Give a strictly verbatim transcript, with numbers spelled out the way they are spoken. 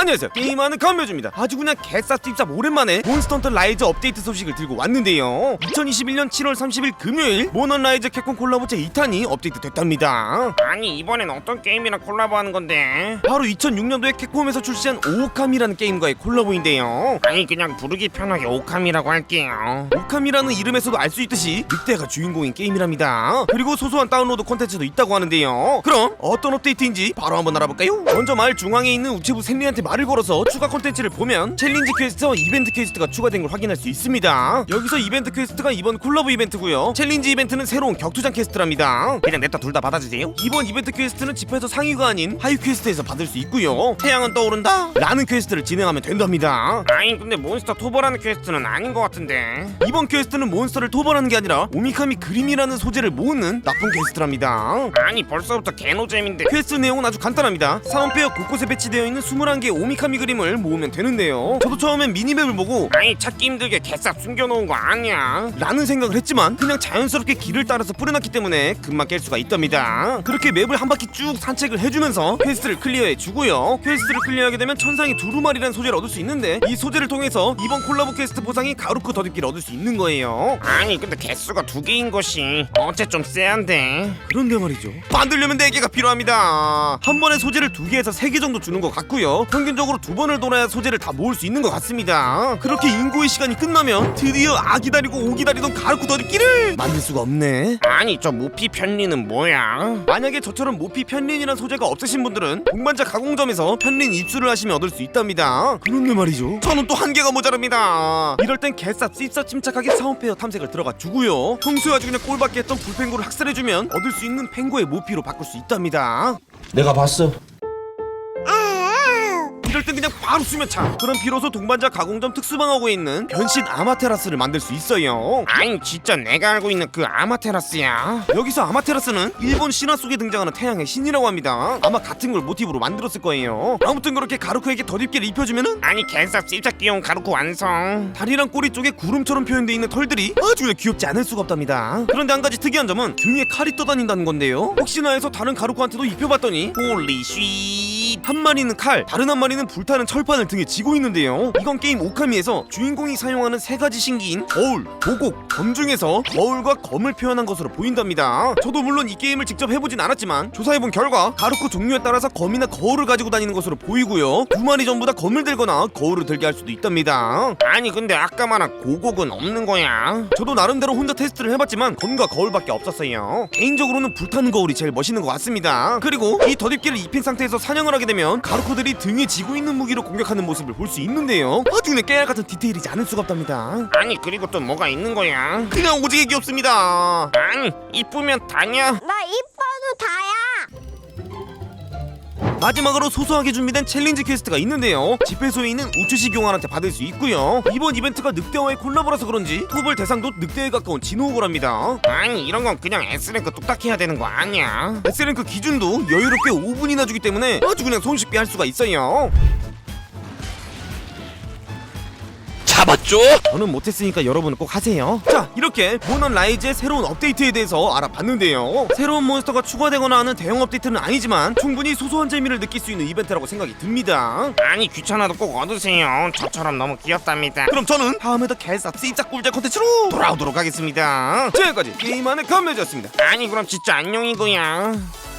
안녕하세요, 게임하는 건매주입니다. 아주 그냥 개쌉집쌉 오랜만에 몬스터 헌터 라이즈 업데이트 소식을 들고 왔는데요, 이천이십일년 칠월 삼십일 금요일 몬헌 라이즈 캡콤 콜라보 제이 탄이 업데이트 됐답니다. 아니 이번엔 어떤 게임이랑 콜라보하는 건데? 바로 이천육년도에 캡콤에서 출시한 오오카미라는 게임과의 콜라보인데요. 아니 그냥 부르기 편하게 오카미라고 할게요. 오카미라는 이름에서도 알 수 있듯이 늑대가 주인공인 게임이랍니다. 그리고 소소한 다운로드 콘텐츠도 있다고 하는데요. 그럼 어떤 업데이트인지 바로 한번 알아볼까요? 먼저 마을 중앙에 있는 우체부 샌리한테 말을 걸어서 추가 콘텐츠를 보면 챌린지 퀘스트와 이벤트 퀘스트가 추가된 걸 확인할 수 있습니다. 여기서 이벤트 퀘스트가 이번 콜라보 이벤트고요, 챌린지 이벤트는 새로운 격투장 퀘스트랍니다. 그냥 냅다 둘 다 받아주세요. 이번 이벤트 퀘스트는 집에서 상위가 아닌 하위 퀘스트에서 받을 수 있고요, 태양은 떠오른다? 라는 퀘스트를 진행하면 된답니다. 아니 근데 몬스터 토벌하는 퀘스트는 아닌 것 같은데. 이번 퀘스트는 몬스터를 토벌하는 게 아니라 오미카미 그림이라는 소재를 모으는 나쁜 퀘스트랍니다. 아니 벌써부터 개노잼인데. 퀘스트 내용은 아주 간단합니다. 사원페어 곳곳에 배치되어 있는 이십일 개의 오미카미 그림을 모으면 되는데요, 저도 처음엔 미니맵을 보고 아니 찾기 힘들게 개싹 숨겨놓은 거 아니야? 라는 생각을 했지만 그냥 자연스럽게 길을 따라서 뿌려놨기 때문에 금방 깰 수가 있답니다. 그렇게 맵을 한 바퀴 쭉 산책을 해주면서 퀘스트를 클리어해주고요, 퀘스트를 클리어하게 되면 천상의 두루마리라는 소재를 얻을 수 있는데, 이 소재를 통해서 이번 콜라보 퀘스트 보상이 가루크 더듬기를 얻을 수 있는 거예요. 아니 근데 개수가 두 개인 것이 어째 좀 쎄한데. 그런데 말이죠, 만들려면 네 개가 필요합니다. 한 번에 소재를 두 개에서 세 개 정도 주는 것 같고요, 평균적으로 두 번을 돌아야 소재를 다 모을 수 있는 것 같습니다. 그렇게 인고의 시간이 끝나면 드디어 아 기다리고 오 기다리던 가루크 더듬기를 만들 수가 없네. 아니 저 모피 편리는 뭐야? 만약에 저처럼 모피 편린이란 소재가 없으신 분들은 동반자 가공점에서 편린 입수를 하시면 얻을 수 있답니다. 그런데 말이죠, 저는 또 한계가 모자랍니다. 이럴 땐 개쌉 씹쌉 침착하게 사원페어 탐색을 들어가 주고요, 평소에 아주 그냥 꼴밖에 했던 불펜고를 학살해주면 얻을 수 있는 펜고의 모피로 바꿀 수 있답니다. 내가 봤어. 이럴 땐 그냥 바로 수면차. 그럼 비로소 동반자 가공점 특수방어구에 있는 변신 아마테라스를 만들 수 있어요. 아니 진짜 내가 알고 있는 그 아마테라스야? 여기서 아마테라스는 일본 신화 속에 등장하는 태양의 신이라고 합니다. 아마 같은 걸 모티브로 만들었을 거예요. 아무튼 그렇게 가루크에게 덧입기를 입혀주면은 아니 개싹 씹짝 귀여운 가루크 완성. 다리랑 꼬리 쪽에 구름처럼 표현되어 있는 털들이 아주 그냥 귀엽지 않을 수가 없답니다. 그런데 한 가지 특이한 점은 등에 칼이 떠다닌다는 건데요, 혹시나 해서 다른 가루크한테도 입혀봤더니 홀리 쉿, 한 마리는 칼, 다른 한 마리는 불타는 철판을 등에 지고 있는데요, 이건 게임 오카미에서 주인공이 사용하는 세 가지 신기인 거울, 보곡, 검 중에서 거울과 검을 표현한 것으로 보인답니다. 저도 물론 이 게임을 직접 해보진 않았지만 조사해본 결과 가루크 종류에 따라서 검이나 거울을 가지고 다니는 것으로 보이고요, 두 마리 전부 다 검을 들거나 거울을 들게 할 수도 있답니다. 아니 근데 아까 말한 고곡은 없는 거야? 저도 나름대로 혼자 테스트를 해봤지만 검과 거울밖에 없었어요. 개인적으로는 불타는 거울이 제일 멋있는 것 같습니다. 그리고 이 덧입기를 입힌 상태에서 사냥을 하게 되면 가루크들이 등에 지고 있는 무기로 공격하는 모습을 볼 수 있는데요, 아주 그냥 깨알 같은 디테일이지 않을 수가 없답니다. 아니 그리고 또 뭐가 있는 거야? 그냥 오지게 귀엽습니다. 아니 이쁘면 다냐? 나 이뻐도 다야. 마지막으로 소소하게 준비된 챌린지 퀘스트가 있는데요, 집회소에 있는 우츠시 교환한테 받을 수 있고요, 이번 이벤트가 늑대와의 콜라보라서 그런지 토벌 대상도 늑대에 가까운 진호고랍니다. 아니 이런 건 그냥 S랭크 뚝딱 해야 되는 거 아니야? S랭크 기준도 여유롭게 오 분이나 주기 때문에 아주 그냥 손쉽게 할 수가 있어요. 잡았죠? 저는 못했으니까 여러분은 꼭 하세요. 자, 이렇게 몬헌 라이즈의 새로운 업데이트에 대해서 알아봤는데요, 새로운 몬스터가 추가되거나 하는 대형 업데이트는 아니지만 충분히 소소한 재미를 느낄 수 있는 이벤트라고 생각이 듭니다. 아니 귀찮아도 꼭 얻으세요. 저처럼 너무 귀엽답니다. 그럼 저는 다음에도 개쌉 씹짝 꿀잼 콘텐츠로 돌아오도록 하겠습니다. 지금까지 게임하는 건매주였습니다. 아니 그럼 진짜 안녕이고요.